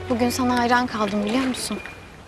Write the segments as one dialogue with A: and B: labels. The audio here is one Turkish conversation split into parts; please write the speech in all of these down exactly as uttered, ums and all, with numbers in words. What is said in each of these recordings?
A: Bugün sana hayran kaldım biliyor musun?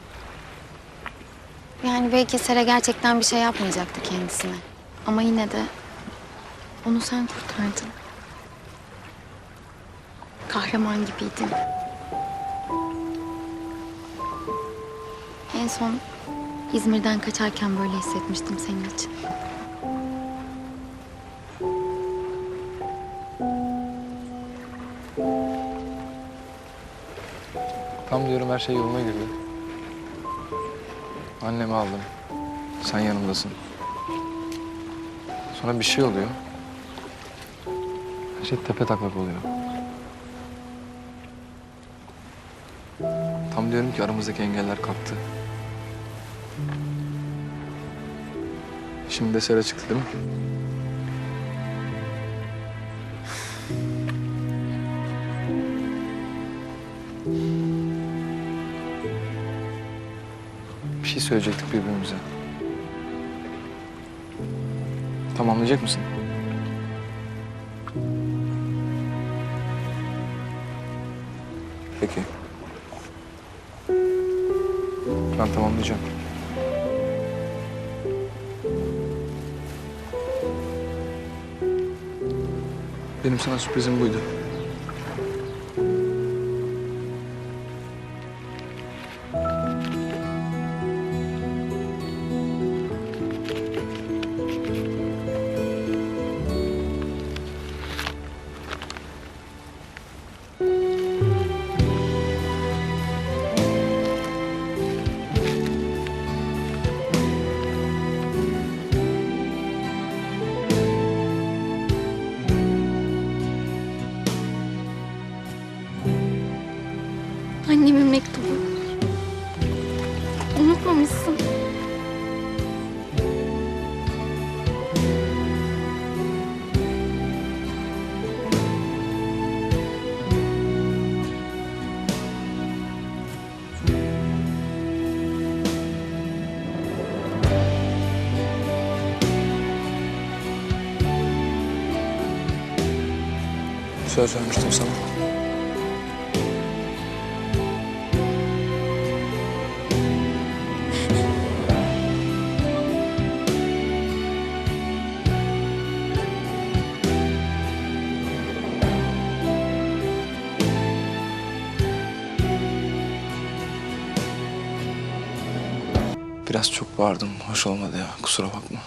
A: Yani belki Sera gerçekten bir şey yapmayacaktı kendisine. Ama yine de onu sen kurtardın. Kahraman gibiydin. En son İzmir'den kaçarken böyle hissetmiştim senin için.
B: Tam diyorum her şey yoluna girdi. Annemi aldım. Sen yanımdasın. Sonra bir şey oluyor. Her şey tepetaklak oluyor. Tam diyorum ki aramızdaki engeller kalktı. Şimdi de Sera çıktı değil mi? Bir şey söyleyecektik birbirimize. Tamamlayacak mısın? Peki. Ben tamamlayacağım. Benim sana sürprizim buydu.
A: Annemin mektubu. Unutmamışsın.
B: Söz vermiştim sana. Biraz çok bağırdım. Hoş olmadı ya. Kusura bakma.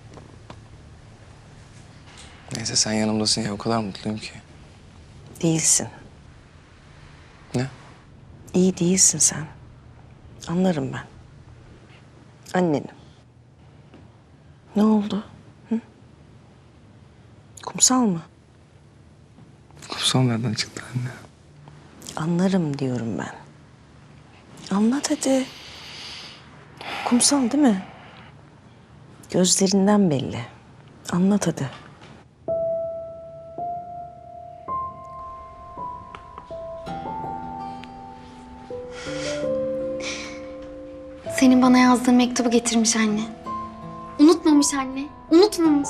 B: Neyse sen yanımdasın ya. O kadar mutluyum ki.
C: Değilsin.
B: Ne?
C: İyi değilsin sen. Anlarım ben. Annenim. Ne oldu? Hı? Kumsal mı?
B: Kumsal nereden çıktı anne?
C: Anlarım diyorum ben. Anlat hadi. Kumsal değil mi? Gözlerinden belli. Anlat hadi.
A: Senin bana yazdığın mektubu getirmiş anne. Unutmamış anne. Unutmamış.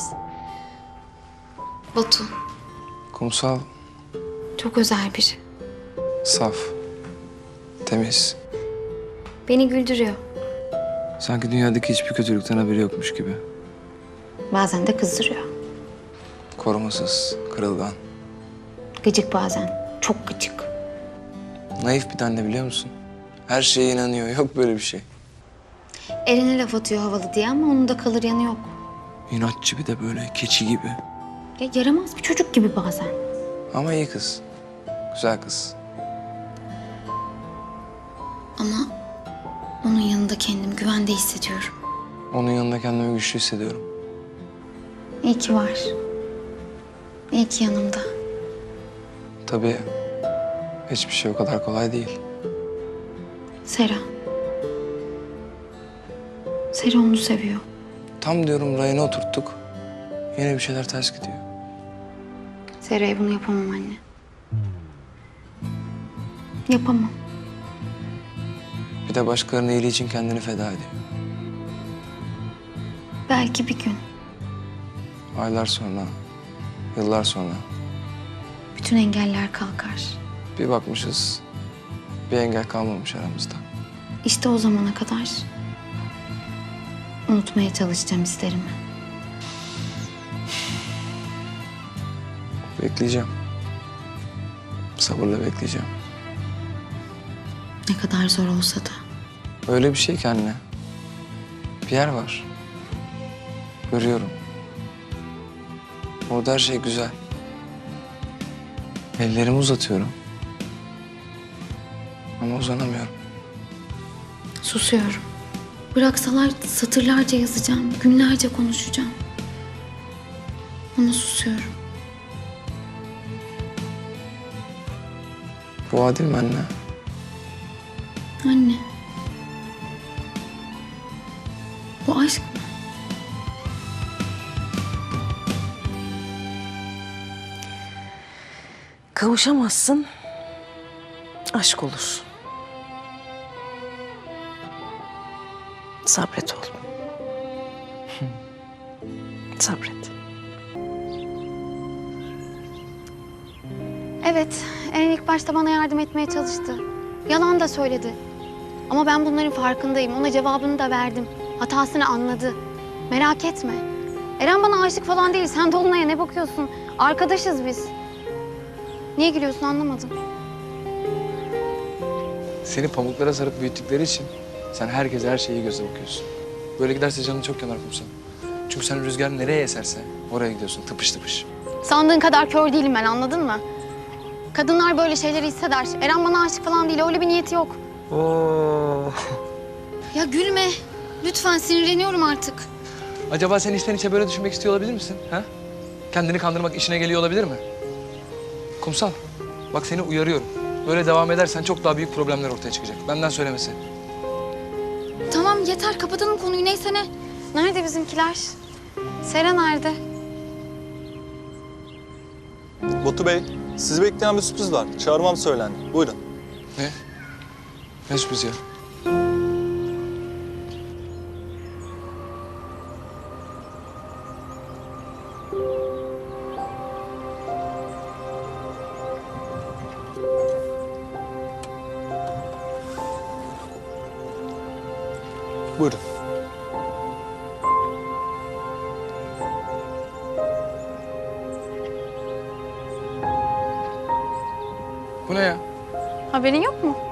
A: Batu
B: Kumsal
A: çok özel biri.
B: saf, temiz.
A: Beni güldürüyor.
B: Sanki dünyadaki hiçbir kötülükten haberi yokmuş gibi.
A: Bazen de kızdırıyor.
B: Korumasız, kırılgan.
A: Gıcık bazen. Çok gıcık.
B: Naif bir tane biliyor musun? Her şeye inanıyor. Yok böyle bir şey.
A: Eren'e laf atıyor havalı diye ama onun da kalır yanı yok.
B: İnatçı bir de böyle keçi gibi.
A: Ya yaramaz bir çocuk gibi bazen.
B: Ama iyi kız. Güzel kız.
A: Ama onun yanında kendimi güvende hissediyorum.
B: Onun yanında kendimi güçlü hissediyorum.
A: İyi ki var. İyi ki yanımda.
B: Tabii hiçbir şey o kadar kolay değil.
A: Sera. Sera onu seviyor.
B: Tam diyorum rayına oturttuk. Yine bir şeyler ters gidiyor.
A: Sera'ya bunu yapamam anne. Yapamam.
B: Bir de başkalarının iyiliği için kendini feda ediyor.
A: Belki bir gün.
B: Aylar sonra, yıllar sonra
A: Bütün engeller kalkar.
B: bir bakmışız Bir engel kalmamış aramızda.
A: İşte o zamana kadar unutmaya çalışacağım hislerimi.
B: Bekleyeceğim. Sabırla bekleyeceğim.
A: Ne kadar zor olsa da.
B: Öyle bir şey ki anne. Bir yer var. Görüyorum. Orada her şey güzel. Ellerimi uzatıyorum. Ama uzanamıyorum.
A: Susuyorum. Bıraksalar satırlarca yazacağım, günlerce konuşacağım. Ama susuyorum.
B: Bu adil mi anne?
A: Anne. Bu aşk mı?
C: Kavuşamazsın. Aşk olur. Sabret oğlum. Sabret.
A: Evet, en ilk başta bana yardım etmeye çalıştı. Yalan da söyledi. Ama ben bunların farkındayım. Ona cevabını da verdim. Hatasını anladı. Merak etme. Eren bana aşık falan değil. Sen Dolunay'a ne bakıyorsun? Arkadaşız biz. Niye gülüyorsun anlamadım.
B: Seni pamuklara sarıp büyüttükleri için sen herkese her şeyi göze bakıyorsun. Böyle giderse canın çok yanar Kumsal. Çünkü sen rüzgar nereye eserse oraya gidiyorsun tıpış tıpış.
A: Sandığın kadar kör değilim ben, anladın mı? Kadınlar böyle şeyleri hisseder. Eren bana aşık falan değil. Öyle bir niyeti yok.
B: Oo.
A: Ya gülme. Lütfen, sinirleniyorum artık.
B: Acaba sen içten içe böyle düşünmek istiyor olabilir misin? Ha? Kendini kandırmak işine geliyor olabilir mi? Kumsal, bak seni uyarıyorum. Böyle devam edersen çok daha büyük problemler ortaya çıkacak. Benden söylemesi.
A: Tamam yeter, kapatalım konuyu. Neyse ne. Nerede bizimkiler? Sera nerede?
D: Batu Bey, sizi bekleyen bir sürpriz var. Çağırmam söylendi. Buyurun.
B: Ne? Ne sürpriz ya?
D: Buyurun.
B: Bu ne ya?
A: Haberin yok mu?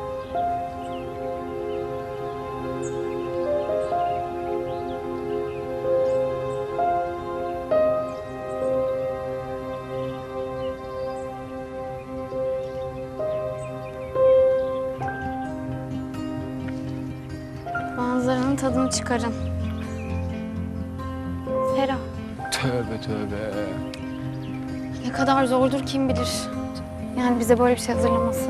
A: Manzaranın tadını çıkarın. Sera,
B: Tövbe tövbe.
A: ne kadar zordur kim bilir. Yani bize böyle bir şey hazırlaması.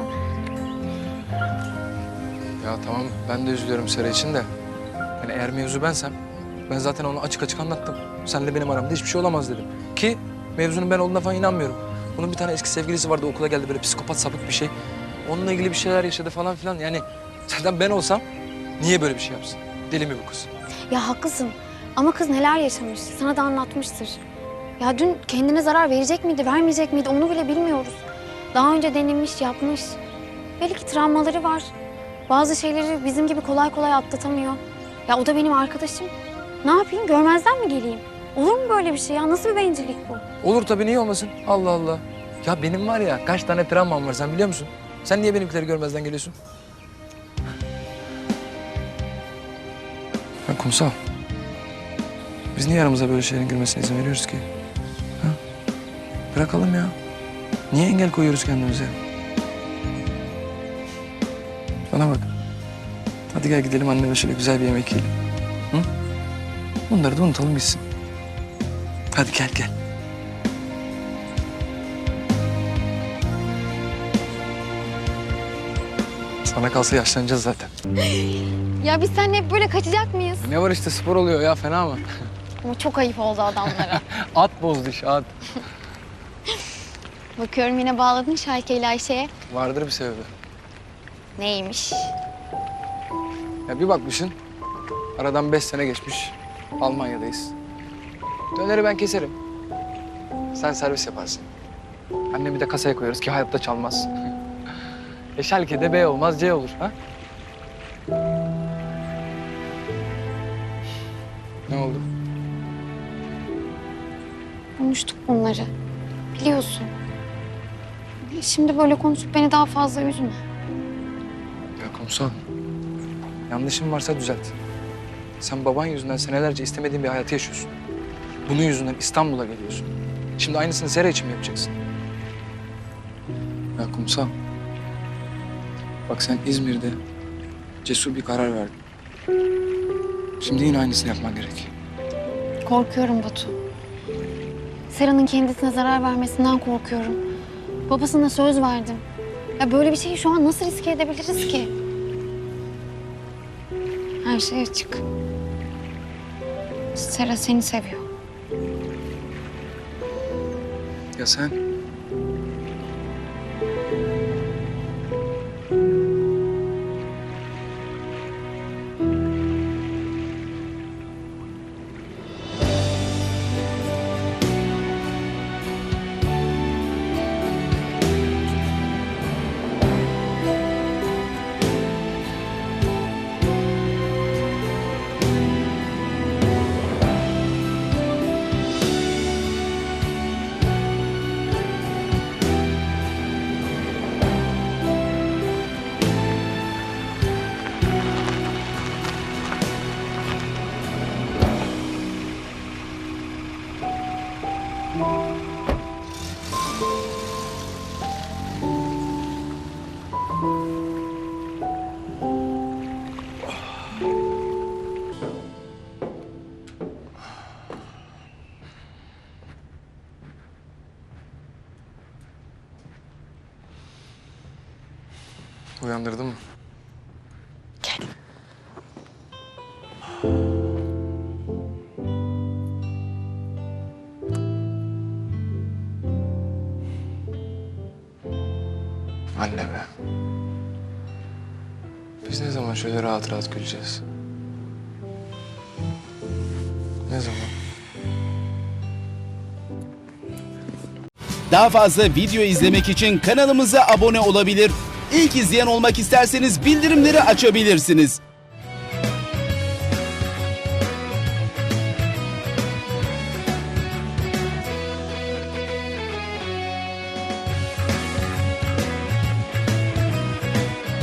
B: Ya tamam ben de üzülüyorum Sera için de. Yani eğer mevzu bensem ben zaten onu açık açık anlattım. Seninle benim aramda hiçbir şey olamaz dedim. Ki mevzunun ben olduğuna falan inanmıyorum. Bunun bir tane eski sevgilisi vardı okula geldi böyle psikopat sapık bir şey. Onunla ilgili bir şeyler yaşadı falan filan. Yani zaten ben olsam niye böyle bir şey yapsın? Deli mi bu kız?
A: Ya haklısın ama kız neler yaşamış, sana da anlatmıştır. Ya dün kendine zarar verecek miydi, vermeyecek miydi onu bile bilmiyoruz. Daha önce denemiş, yapmış. Belki travmaları var. Bazı şeyleri bizim gibi kolay kolay atlatamıyor. Ya o da benim arkadaşım. Ne yapayım, görmezden mi geleyim? Olur mu böyle bir şey ya? Nasıl bir bencillik bu?
B: Olur tabii niye olmasın? Allah Allah. Ya benim var ya kaç tane travmam var sen biliyor musun? Sen niye benimkileri görmezden geliyorsun? Ha Kumsal. Biz niye aramıza böyle şeylerin girmesine izin veriyoruz ki? Ha? Bırakalım ya. Niye engel koyuyoruz kendimize? Bana bak. Hadi gel gidelim anneme şöyle güzel bir yemek yiyelim. Hı? Bunları da unutalım gitsin. Hadi gel gel. Sana kalsa yaşlanacağız zaten.
A: Ya biz seninle hep böyle kaçacak mıyız?
B: Ne var işte spor oluyor ya fena mı?
A: Ama çok ayıp oldu adamlara.
B: At bozdu iş at.
A: Bakıyorum yine bağladın Şayke ile Ayşe'ye.
B: Vardır bir sebebi.
A: Neymiş?
B: Ya bir bakmışsın aradan beş sene geçmiş. Almanya'dayız. Döneri ben keserim. Sen servis yaparsın. Annemi de kasaya koyarız ki hayatta çalmaz. E Schalke'de B olmaz C olur ha? Ne oldu?
A: Konuştuk bunları. Biliyorsun. Şimdi böyle konuşup beni daha fazla üzme.
B: Ya kumsal. Yanlışım varsa düzelt. Sen baban yüzünden senelerce istemediğin bir hayatı yaşıyorsun. Bunun yüzünden İstanbul'a geliyorsun. Şimdi aynısını Sera için mi yapacaksın? Ya kumsal. Bak sen İzmir'de cesur bir karar verdin. Şimdi yine aynısını yapman gerek.
A: Korkuyorum Batu. Sera'nın kendisine zarar vermesinden korkuyorum. Babasına söz verdim. Ya böyle bir şeyi şu an nasıl riske edebiliriz ki? Her şey açık. Sera seni seviyor.
B: Ya sen? Uyandırdın mı?
C: Gel.
B: Anne be. Biz ne zaman şöyle rahat rahat güleceğiz? Ne zaman?
E: Daha fazla video izlemek için kanalımıza abone olabilir. İlk izleyen olmak isterseniz bildirimleri açabilirsiniz.